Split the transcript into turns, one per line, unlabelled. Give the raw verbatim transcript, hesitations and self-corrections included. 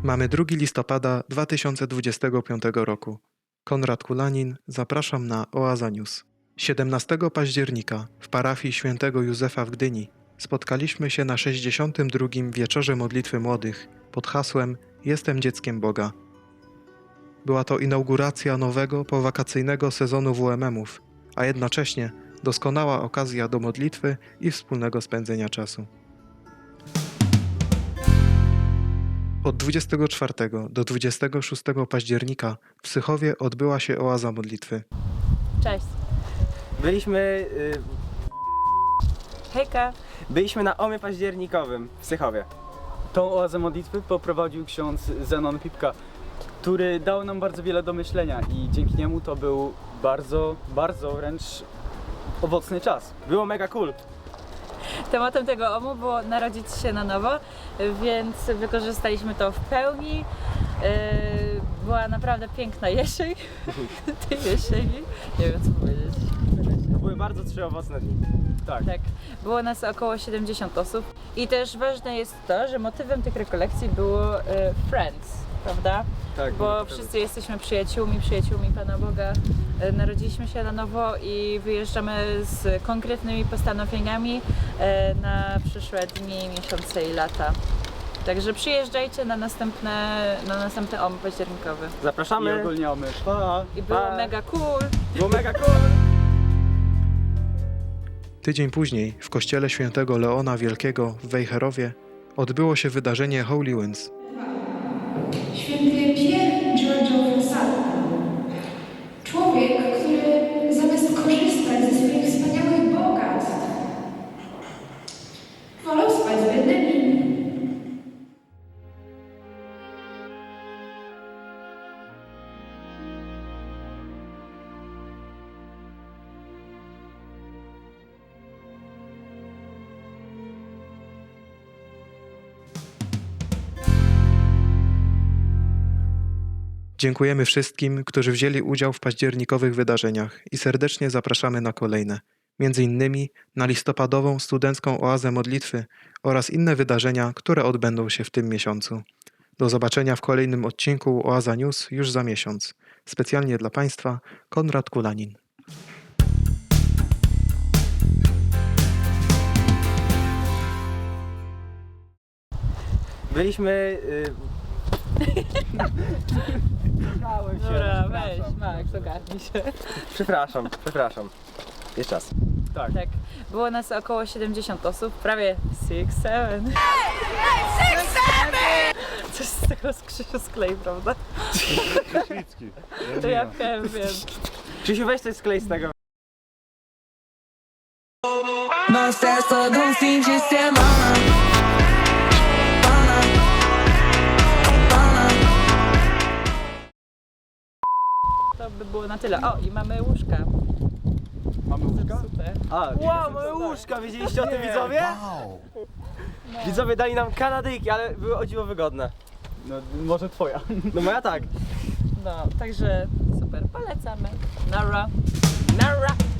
Mamy drugiego listopada dwa tysiące dwudziestego piątego roku. Konrad Kulanin, zapraszam na Oaza News. siedemnastego października w parafii świętego Józefa w Gdyni spotkaliśmy się na sześćdziesiątym drugim Wieczorze Modlitwy Młodych pod hasłem Jestem dzieckiem Boga. Była to inauguracja nowego, powakacyjnego sezonu W M M-ów, a jednocześnie doskonała okazja do modlitwy i wspólnego spędzenia czasu. Od dwudziestego czwartego do dwudziestego szóstego października w Sychowie odbyła się oaza modlitwy.
Cześć.
Byliśmy... Y,
Hejka.
byliśmy na omie październikowym w Sychowie.
Tą oazę modlitwy poprowadził ksiądz Zenon Pipka, który dał nam bardzo wiele do myślenia i dzięki niemu to był bardzo, bardzo wręcz owocny czas.
Było mega cool.
Tematem tego omu było narodzić się na nowo, więc wykorzystaliśmy to w pełni. Yy, Była naprawdę piękna jesień. Tej jesieni. Nie wiem co powiedzieć.
To były bardzo trzy owocne dni.
Tak.
Tak, było nas około siedemdziesiąt osób i też ważne jest to, że motywem tych rekolekcji było e, Friends, prawda?
Tak,
Bo
tak.
wszyscy jesteśmy przyjaciółmi, przyjaciółmi Pana Boga. E, Narodziliśmy się na nowo i wyjeżdżamy z konkretnymi postanowieniami e, na przyszłe dni, miesiące i lata. Także przyjeżdżajcie na następne, na następny om październikowy.
I
Zapraszamy.
ogólnie omy. Pa!
I było
Pa.
mega cool.
Było mega cool.
Tydzień później w kościele świętego Leona Wielkiego w Wejherowie odbyło się wydarzenie Holy Winds.
Święty Pierre Giorgio Frassati. Człowiek, który zamiast korzystać ze swoich wspaniałych bogactw, wolał spać z biednymi.
Dziękujemy wszystkim, którzy wzięli udział w październikowych wydarzeniach i serdecznie zapraszamy na kolejne, między innymi na listopadową studencką oazę modlitwy oraz inne wydarzenia, które odbędą się w tym miesiącu. Do zobaczenia w kolejnym odcinku Oaza News już za miesiąc. Specjalnie dla Państwa Konrad Kulanin.
Byliśmy... Y,
Dobra, weź, Max, ogarnij się.
przepraszam, przepraszam. Jeszcze raz.
Tak.
Tak, było nas około siedemdziesiąt osób, prawie six, seven. Coś z tego z Krzysiu sklej, prawda? To ja wiem, wiem.
Krzysiu, weź coś sklej z tego.
Nós é só de um fim de semana. Pana, pana.
To by było na tyle. O, i mamy łóżka.
Mamy łóżka?
Super.
A,
Wow, mamy łóżka, wiedzieliście o tym widzowie? Widzowie dali nam kanadyjki, ale były o dziwo wygodne.
no, może twoja.
No moja tak.
No, także super, polecamy. Nara. Nara.